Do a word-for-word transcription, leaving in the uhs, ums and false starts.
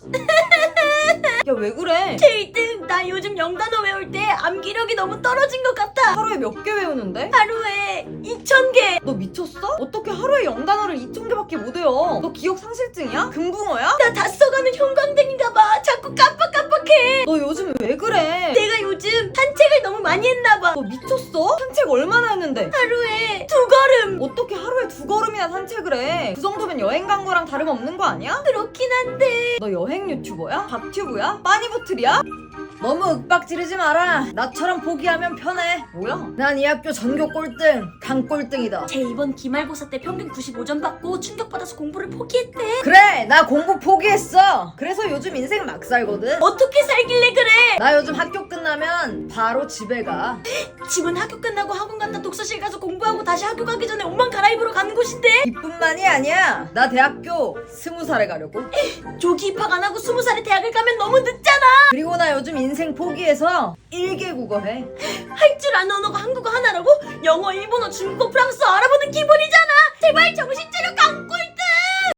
야, 왜 그래? 제이등, 나 요즘 영단어 외울 때 암기력이 너무 떨어진 것 같아. 하루에 몇 개 외우는데? 하루에 이천 개. 너 미쳤어? 어떻게 하루에 영단어를 이천 개밖에 못 외워? 너 기억 상실증이야? 금붕어야? 나 다 써가는 형광등인가 봐. 자꾸 깜빡깜빡해. 너 요즘 왜 그래? 내가 요즘 산책을 너무 많이 했나 봐. 너 미쳤어? 산책 얼마나 했는데? 하루에 두 걸음. 어떻게 하루에 두 걸음이나 산책을 해? 그 정도면 여행 간 거랑 다름없는 거 아니야? 그렇긴 한데. 너 여행 유튜버야? 밥튜브야? 빠니보틀이야? 너무 윽박 지르지 마라. 나처럼 포기하면 편해. 뭐야? 난 이 학교 전교 꼴등, 강 꼴등이다. 쟤 이번 기말고사 때 평균 구십오 점 받고 충격받아서 공부를 포기했대. 그래, 나 공부 포기했어. 그래서 요즘 인생 막 살거든. 어떻게 살길래 그래? 나 요즘 학교 끝나면 바로 집에 가. 집은 학교 끝나고 학원 갔다 독서실 가서 공부하고 다시 학교 가기 전에 옷만 갈아입으러 가는 곳인데. 이뿐만이 아니야. 나 대학교 스무 살에 가려고. 조기 입학 안 하고 스무 살에 대학을 가면 너무 늦잖아. 그리고 나 요즘 인생 포기해서 일개 국어 해. 할 줄 아는 언어가 한국어 하나라고? 영어, 일본어, 중국어, 프랑스어, 아랍어